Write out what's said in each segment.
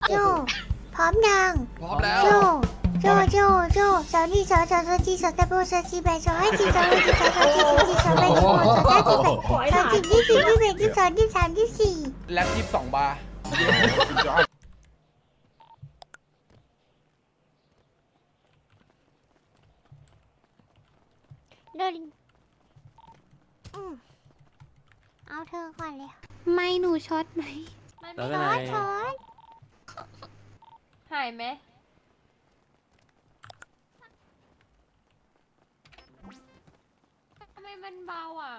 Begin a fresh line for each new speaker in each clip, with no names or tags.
โจพร้อมยัง
พร้อมแล้ว
โจสาวนี่สาวจีสาวตะโบสาวจีแบสาวให้จีสาวให้จีสาวจีสาวแบสาวสาวจีแบสาวจีที่สี่ที่แบที่สองที่สามที่สี่
แล็บ22 บาร์
เดินเอาเธอก่อนเลย
ไม่หนูช็อตไหม
แล้วเป็นไง
ช้อน
หายไหมทำไมมันเบาอ่ะ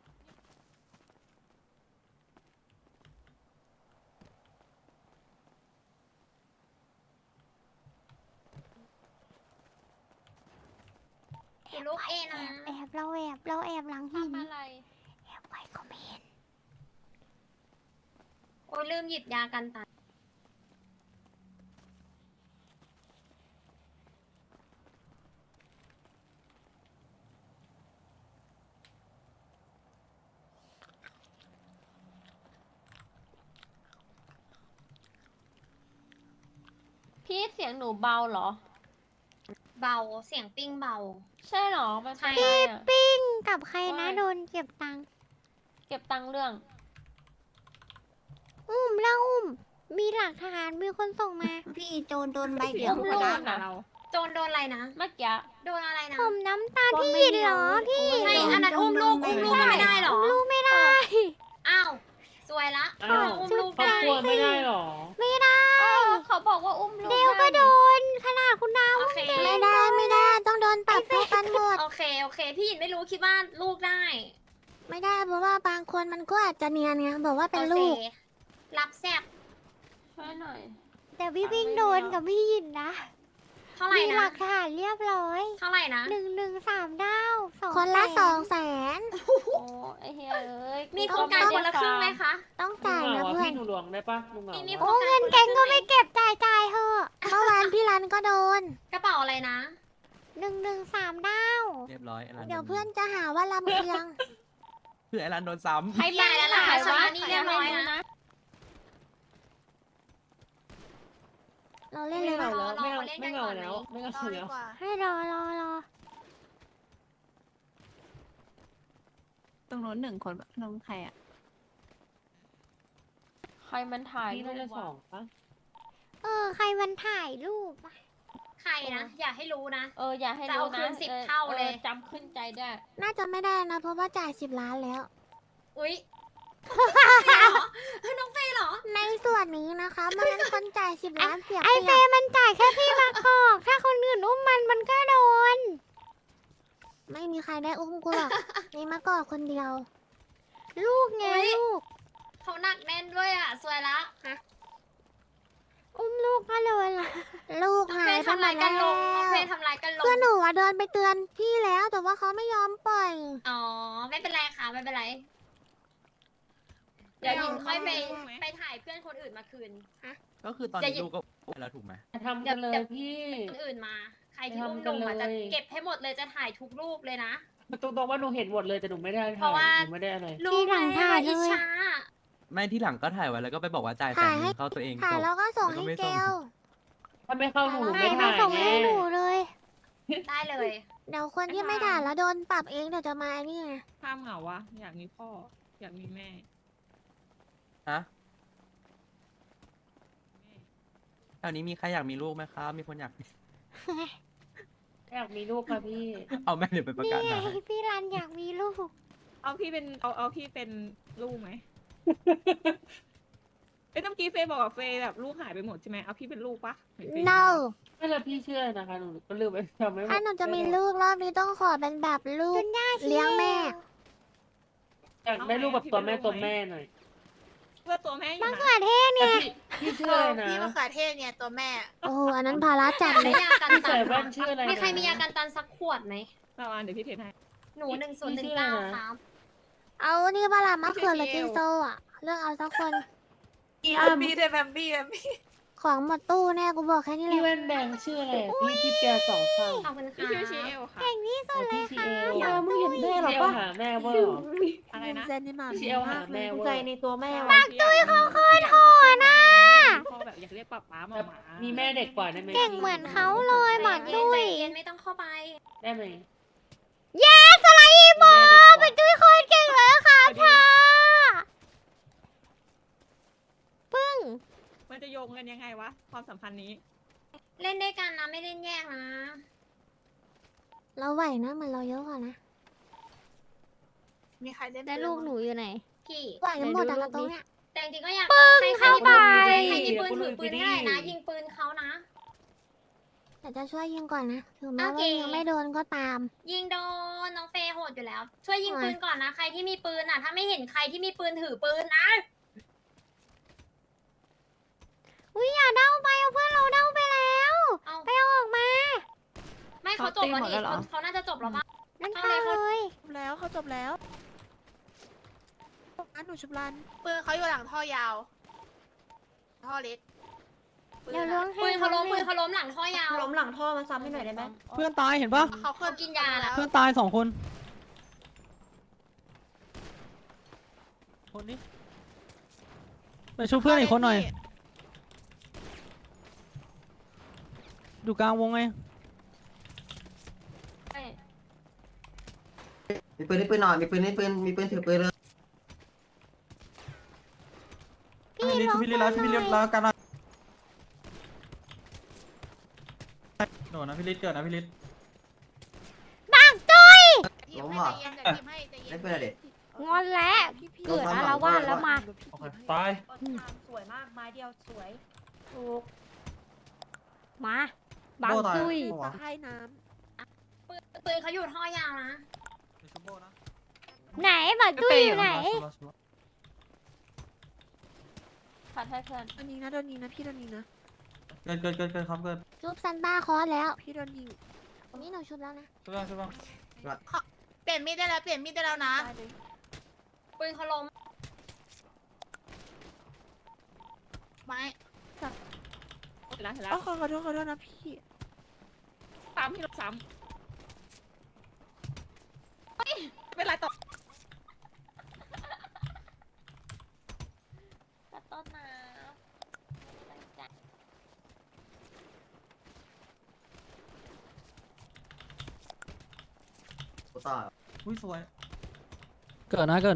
ลูกเอนะ
แอบเราแอบหลังหิน
ทำอะไร
แอบไว้ก็ไม่เห็น
โอ้ยลืมหยิบยากันตายพี่เสียงหนูเบาเหรอ
เบาเสียงปิ้งเบา
ใช่เหรอ มันเป็น
ใช่
อะไรอ่ะ
ปิ้งกับใครนะ
โอ้ย
โดนเก็บตังค์
เก็บตังค์เรื่อง
แล้วมีหลักฐานมีคนส่งมา
พี่โจนโดนใบเดียว
อุ้ม
ก็
ลู
ได้
กนะ
โจนโดนอะไรนะ
เมื่อกี้
โดนอะไรนะ
ผมน้ำตาลพี่หยินเหรอพี่
ใช่อันนั้นอุ้มลูกมันไม่ได้เหรอ
ลูกไม่ได้
อ้าวสวยละ
อ้าว
อุ้มลูก
ครอบ
ได้
ครัวไม่ได้หรอ
ไม่ได้
เขาบอกว่าอุ้มลูก
เดวก็โด
ได้
นขนาดคุณดาว
โอเค
ไม่ได้ต้องโดนปรับเท่ากันหมด
โอเคพี่หยินไม่รู้คิดว่าลูกได้
ไม่ได้เพราะว่าบางคนมันก็อาจจะเนียนไงบอกว่าเป็นลูก
โอครับแซบ
ช่วยหน่อย
แต่พี่พิงโดนกับพี่หยินนะ
เท่าไหร่
มีห
นะ
ลักฐานเรียบร้อย
เท่าไหร่นะ
113ดาว2
คนละ
แส
200,000
โอ้ไอ้เฮียเอ้ย
มีโครงการคนละครึ่งไหมคะ
ต้อง
ลุง
จ่าย
เหงา
นะ
อ่ะ
เพื่อ
พี่
น
หนูหลวงได้ปะลุงเหงา
มี
อ่ะ
โอ้เงินแกงก็ไม่เก็บจ่ายเถอะ
เมื่อวานพี่รันก็โดน
กระเป๋าอะไรนะ
113ดาว
เรียบร้อยไอ้รัน
เดี๋ยวเพื่อนจะหาว่าลำเอียง
เพื่อไอ้รันโดนซ้
ใคร
ใหญ่แล้วล่ะ
ขาย
ชำ
วะ
ระหนี้เรียบร้อยนะ
เราเล่น
ไม่
เลย
เหงา
นะ
แล้วไม่
รอ
เหงา
เล่นกั
ไม่
น
เห
ก่
งา
อนไหม
แล้วไม่เหงาแล้ว
ให้รอ
ตรงโน้น1 คนน้องใครอ่ะ
ใครมันถ่าย
พี่
รู
น่า
ป
จะ
วะ
2ปะ
ใครมันถ่ายรูปอะ
ใครนะ อย่าให้รู้นะ
อย่าให้
จะ
รู้
เอาคื
นะ
น10เท่าเลย
จำขึ้นใจได้
น่าจะไม่ได้นะเพราะว่าจ่าย10 ล้านแล้ว
อุ๊ยน้องเฟย์เหรอ
ในส่วนนี้นะคะมันเป็นคนจ่าย10 ล้านเสีย
ไอ
เป
เฟ
รียบ
มันจ่ายแค่พี่มาคอก ถ้าคนอื่นอุ้มมันก็โดน
ไม่มีใครได้อุ้มกูหรอกมีมะกอกคนเดียว
ลูกไง
อุ๊ย
ลูก
เขาหนักแน่นด้วยอ่ะ สวยละ
อุ้มลูกก็เลยล่ะ
ลูก
น้อง
หา
เฟ
ย
ย์
ไป
ทำ
หม
ลาย
ด
กั
แล้
น
ว
ลงน้องเฟย์ทำลายกันลง
คือหนูอะเดินไปเตือนพี่แล้วแต่ว่าเขาไม่ยอมปล่อย
อ๋อ ไม่เป็นไรค่ะไม่เป็นไร เดี๋ยวหญิงค่อยไปถ่ายเพื่อนคนอื่นมาคืน
ำก็คือตอน
จะ
นี้
หยิบ
ลูกก็แล้วถูกไหม
ทำกันเลยพี่
คนอื่นมา ใครที่อุ้มลงมา
ทำกั
จะ
นเลย
เก็บให้หมดเลยจะถ่ายทุกรูปเลยนะ
ตรงๆว่าหนูเห็นหมดเลยแต่หนูไม่ได้
เพราะว่า
หนูไม่ได้อะไร
รู้ไหมว่าอิจฉา
ไม่ที่หลังก็ถ่ายไว้แล้วก็ไปบอกว่าจ่ายแส
ถ่าน ย
ห
ให้
นึ่งเข้าตัวเอง
ถ่าย
จบ
แล้วก็ส่ง
แล้วก็
ให้
ไม่
เก
ส่ง
ล
ถ้าไม่เข้าหนู
ไม่
ไม่
มา
ถ่าย
ส่ง
แน่
ให้หนูเลย
ได้เลย
เดี๋ยวคนที่ไม่ถ่ายแล้วโดนปรับเองเดี๋ยวจะมาไอ้นี่ไง
ภาพเหงาวะ อยากมีพ่อ อยากมีแม่
ฮะแถวนี้มีใครอยากมีลูกไหมครับ มีคนอยาก
อยากมีลูกค่ะพี่
เอาแม่เดี๋ยวไปประ
นี่
กาศ
ไง
หา
พี่รันอยากมีลูก
เอาพี่เป็น เอาพี่เป็นลูกไหม เอ้ยเมื่อกี้เฟย์บอกว่าเฟย์แบบลูกหายไปหมดใช่ไหมเอาพี่เป็นลูกปะเห็นเฟย์
no
ไม่แล้วพี่เชื่อนะคะหนูก็ลืมไปทำไม่หมด
ถ้าหนูจะมีลูกรอบนี้ต้องขอเป็นแบบลูก เลี้ยงแม่
อยากได้ลูกแบบตัวแม่ตัวแม่หน่อย
เพื่อตัวแม่อยู่
มะ
นะ
เขือเทศไง
แต่พี่เชื่อเลยนะ
พี่มะเขือเทศเนี่ยตัวแม่
โอ้โหอันนั้นภาระจัดเล
ได้
ย
ยากัน
พี่
ตั
ใส่
น
แว่นชื่ออะไรนะ
มีใครมียากันตันสักขวดไหม
เราเดี๋ยวพี่เทรนให้
หนู
พี่ชื่ออะไรนะ
1019ครับ
เอานี่ปลาละมะเขือหรือจินโซอ่ะ เลือกเอาสักคน
พี่ได้แบมบี้
ของหมดตู้แน่กูบอกแค่นี้เล
พี่
ย
แว่นแดงชื่ออะไรอะพี่เปีย2 ข้าง
ขอบคุณ
พี่
ค่ะ
ชื่อชีเอลค่ะ
เก่งที่สุดเล
พี่
ย
ชี
ค่ะ
เอล
มึงเห็นแม่หรอ
พี่เอล
ปะ
หาแม่เวอร์เหรอ
อะไรนะ
เซนนี่มา
พี่เอลหาแม่เวอร์
ปักตุ้ยเขา
โคตรโหดนะ
พอแบบอยากเรียกป๊าป๊ามาหมา
มีแม่เด็กกว่าได้ไหม
เก่งเหมือนเขาเลยหมาก
ใจ
ดุย
เย็นไม่ต้องเข้าไป
ได้ไหม
เย้สไลด์อีโมเป็นดุยโคตรเก่งเลยค่ะพ่อปึ้ง
มันจะโยงกันยังไงวะความสัมพันธ์นี้
เล่นด้วยกันนะไม่เล่นแยกนะ
เราไหวนะเหมือนเราเยอะกว่านะ
มีใครเล่น
แล้วลูกหนูอยู่ไหน
พี่
ไหวกันหมดแต่ละตรงเนี้ย
แต่จริงๆก็อยาก
เข้าไป
ใครมีปืนถือปืนก็ได้นะ ยิงปืนเขานะ
แต่จะช่วยยิงก่อนนะถึงแม้
โอเค
ว่ายังไม่โดนก็ตาม
ยิงโดนน้องเฟย์โหดอยู่แล้ว ช่วยยิงปืนก่อนนะ ใครที่มีปืนอ่ะ ถ้าไม่เห็นใครที่มีปืนถือปืนนะ
อุ้ยอย่าเด้าไปเอาเพื่อนเราเด้าไปแล้ว
เอา
ไปเอาออกมา
ไม่เขาจบแล้วนี่เขาน่าจะจบแล้วป่ะ
นั่น
เอา
ค่ะ
เลย
เลย
แล้วเขาจบแล้วอันหนูชุบรัน
ปืนเขาอยู่หลังท่อยาว ท่อเล็ก
เดี๋ยวล้วงให้
ปืนเขาล้มหลังท่อยาว
ล้มหลังท่อมาซ้ำให้หน่อยได้ไหม
เพื่อนตายเห็นปะ
เขากินยาแล้ว
เพื่อนตาย2 คนคนนี้ไปช่วยเพื่อนอีกคนหน่อยอยู่กลางวงไง
มีปืนหน่อยมีปืนถือปืนเลย
พี่ล้วง
พี่ลิแล้วพี่ลิแล้วกันนะโดนนะพี่ลิเกิดนะพี่ลิ
บางตุ้ย
ล้มอ่ะได้ปืนอะไร
งอนแล้วเกิดอาละวาดแล้วมา
ตาย
สวยมากไม้เดียวสวย
ถูกมาบางตุ้ย
ตะไคร่น้
ปืนเขาอยู่ท่อยาวนะ
ไหนบางตุ้ยอยู่ไหน
ผัดให้เพื่อน
ำโดนยิงนะโดนยิงนะพี่โดนยิงนะ
เกิดครับเกิด
ชุบซันต้าคอสแล้ว
พี่โดนยิง
นี่หนูชุบแล้วนะ
ช่วยบ้าง
เปลี่ยนมีดได้แล้วนะ ปืนเขาล้มไม้
เสร็จแล้ว
อ๋อขอโทษนะพี่
ซ้ำที่เราซ้ำไม่เป็นไรต่อ
กระต้นน้
กูต่อ
อุ้ยสวยเกิดนะ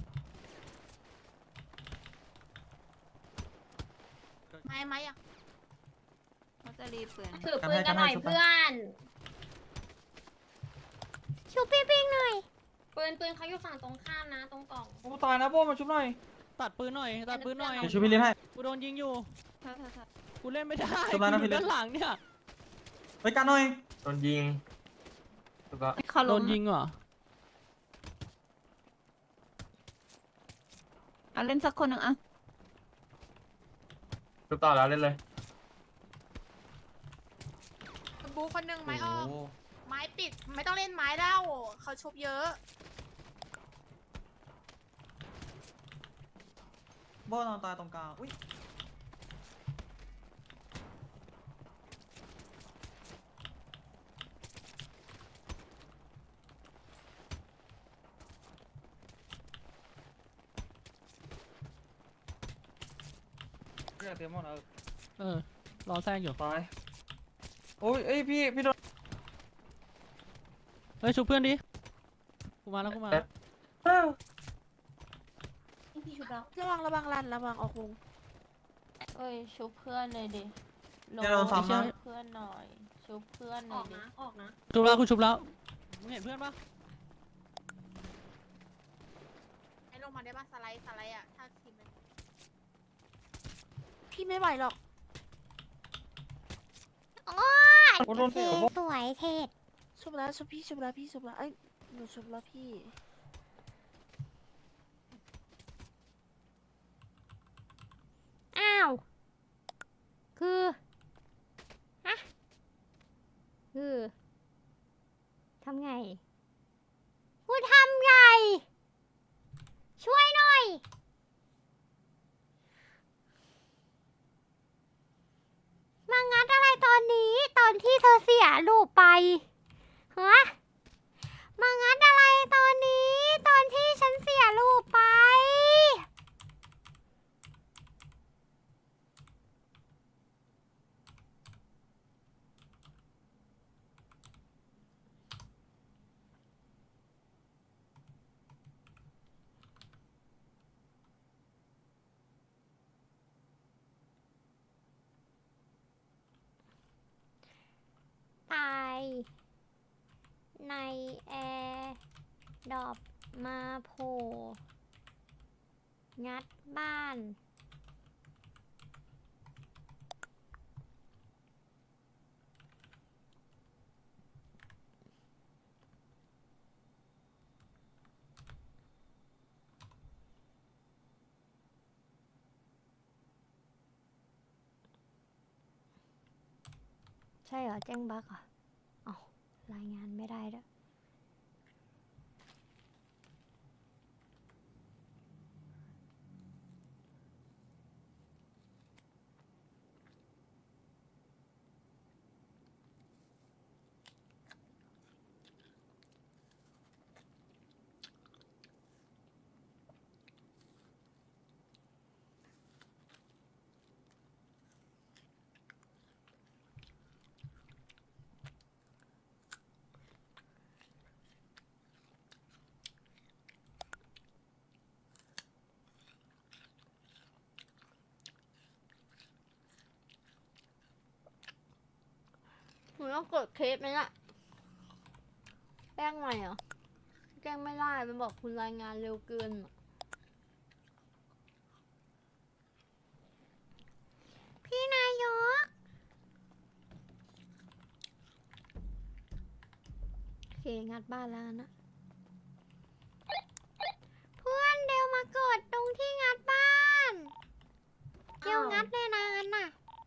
ไม้อะ
เขาจะรีบปืน
ถือปืนกันหน่อยเพื่อน
ชุบพี่ปิงหน่อย
ปืนเขาอยู่ฝั่งตรงข้ามนะ ตรงกล่อง
กูตายนะโบ้มาชุบหน่อยตัดปืนหน่อยเดี๋ยวช่วยพี่ลิให้กูโดนยิงอยู่กูเล่นไม่ได้ชุบแล้วนะพี่ลิด้านหลังเนี่ยไปกันหน่อยโดนยิง
เขาล้ม
เหรอ
เอาเล่นสักคนหนึ่งอ่ะ
ชุบต่อแล้วเล่นเลย
บูคนหนึ่งไม้ออก ไม้ปิด ไม่ต้องเล่นไม้แล้วเขาชุบเยอะ
โบ้นอนตายตรงกลางอุ้ยเตรียมหมดรอแซงอยู่ตายโอ้ยเอ้ยพี่โดนเฮ้ยชุบเพื่อนดิกูมาแล้ว
พี่ชุบแล้วระวังรันระวังออกวง
เอ้ยชุบเพื่อนเลยดิ
อย่าโดนซ้ำนะ
ชุบเพื่อนหน่อยชุบเพื่อนห
อ
น่อ
อย ก
ดิ
นะ ออกนะ
ชุบแล้วกูชุบแล้วมึงเห็นเพื่อนปะ
ให้ลงมาได้ป่ะสไลด์อ่ะ ถ้าทีมมัน
พี่ไม่ไหวหรอก
โอ้ย
กูโดน
เทสวยเทศ
ชุบแล้วพี่ชุบแล้วเอ้ยหนูชุบแล้วพี่
อ้าวคือฮะคือทำไงกูทำไงช่วยหน่อยมางัดอะไรตอนนี้ตอนที่เธอเสียลูกไปฮะมางัดอะไรตอนนี้ตอนที่ฉันเสียลูกไปดอบมาโผล่งัดบ้านใช่เหรอแจ้งบั๊กเหรออ๋อรายงานไม่ได้ด้วย หนูต้องกดเคสไหมล่ะแกล้งใหม่เหรอแกล้งไม่ได้มันบอกคุณรายงานเร็วเกินพี่นายกโอเคงัดบ้านแล้วนะเพื่อนเดี๋ยวมากดตรงที่งัดบ้านเดี๋ยวงัดเลยนะงั้นน่ะ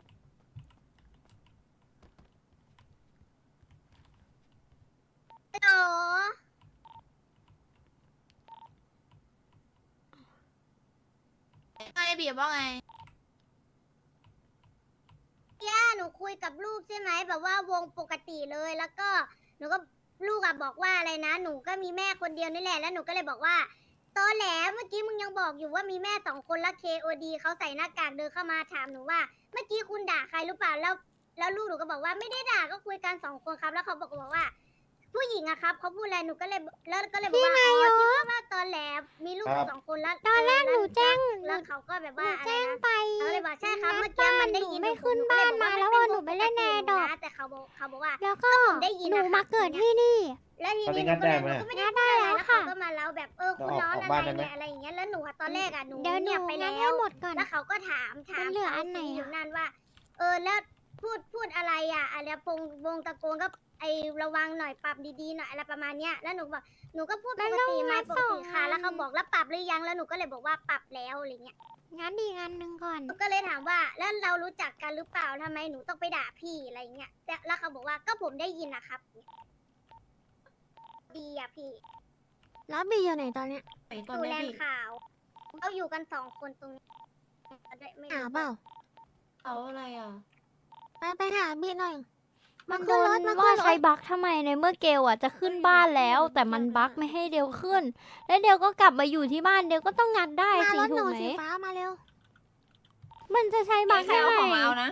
โอ้ไงบีบว่าไงย่าหนูคุยกับลูกใช่ไหมแบบว่าวงปกติเลยแล้วก็หนูก็ลูกอะบอกว่าอะไรนะหนูก็มีแม่คนเดียวนี่แหละแล้วหนูก็เลยบอกว่าตอแหลเมื่อกี้มึงยังบอกอยู่ว่ามีแม่2 คนแล้ว KOD เขาใส่หน้ากากเดินเข้ามาถามหนูว่าเมื่อกี้คุณด่าใครหรือเปล่าแล้วลูกหนูก็บอกว่าไม่ได้ด่าก็คุยกัน2 คนครับแล้วเขาบอกว่าผู้หญิงอะครับเขาพูดอะไรหนูก็เลยบอกว่าอ๋อที่ว่าตอนแหลมีลูกอยู่2 คนแล้วตอนแรกหนูแจ้งแล้วเขาก็แบบว่าอะไรนะเขาเลยบอกใช่ครับเมื่อกี้มันได้ยินไม่ขึ้นบ้านมาแล้วหนูไปเล่นแนดอกแต่เขาบอกว่าแล้วก็หนูมาเกิดที่นี่แล้วทีนี้หนูก็ไม่ได้ได้แล้วเขาก็มาเล่าแบบคุณร้อนอะไรเนี่ยอะไรอย่างเงี้ยแล้วหนูตอนแรกอะหนูเงียบไปแล้วแล้วเขาก็ถามเหลืออันไหนอยู่นั่นว่าแล้วพูดอะไรอะอะไรวงตะโกนก็ไอระวังหน่อยปรับดีๆหน่อยอะไรประมาณเนี้ยแล้วหนูบอกหนูก็พูดปกติมาปกติค่ะแล้วเขาบอกแล้วปรับหรือยังแล้วหนูก็เลยบอกว่าปรับแล้วอะไรเงี้ยงั้นดีงานหนึ่งก่อนก็เลยถามว่าแล้วเรารู้จักกันหรือเปล่าทำไมหนูต้องไปด่าพี่อะไรเงี้ยแล้วเขาบอกว่าก็ผมได้ยินนะครับดีอะพี่แล้วบีอยู่ไหนตอนเนี้ยอยู่แลนด์ขาวเขาอยู่กัน2 คนตรงนี้หาเปล่าเอาอะไรอ่ะไปหาบีหน่อยมันโดนว่าใช้บั๊กทำไมในเมื่อเกลอ่ะจะขึ้นบ้านแล้วแต่มันบั๊กไม่ให้เดลขึ้นแล้วเดลก็กลับมาอยู่ที่บ้านเดลก็ต้องงัดได้สิถูกไหมฟ้ามาเร็วมันจะใช้บั๊กได้ไงนะ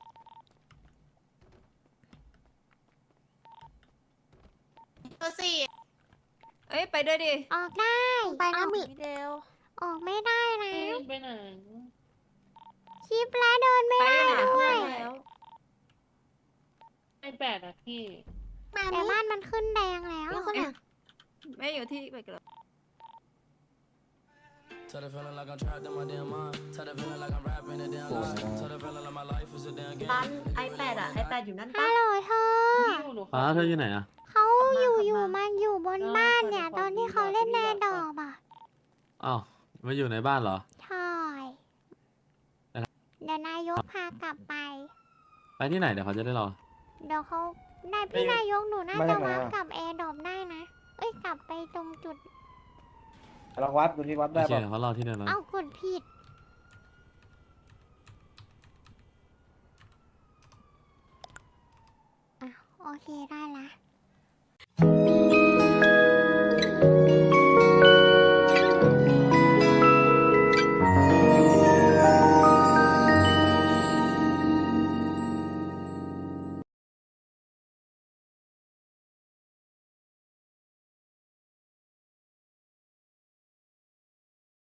ตัวสี่ไปด้วยดิออกได้ไปนะมิเดลออกไม่ได้นะ
ไปไหน
ชิปแล้วเดินไม่ได้ด้วย
ไอ้แปดอะพี่
แต่บ้านมันขึ้นแดงแล้ว
แม่อยู่ที่ไปกัน
ร้านiPad อะ iPad อยู่นั่น
ฮั
ปะ
ลโหลเธอ
เธออยู่ไหนอะ
เขามันอยู่บนบ้านเนี่ยตอนที่เขาเล่นแนดอบอ่ะ
อ้าวมาอยู่ในบ้านเหรอ
ใช่เดี๋ยวนายกพากลับไป
ไปที่ไหนเดี๋ยวเขาจะได้รอ
เดี๋ยวเขาพี่นายกหนูน่าจะวัดกับแอร์ดรอปได้นะกลับไปตรงจุด
ลองวัดดูที่วัด
โอ
ได้
เค
ป่ะ
เขารอที่เดิมแล้ว
เอากดผิดโอเคได้ละ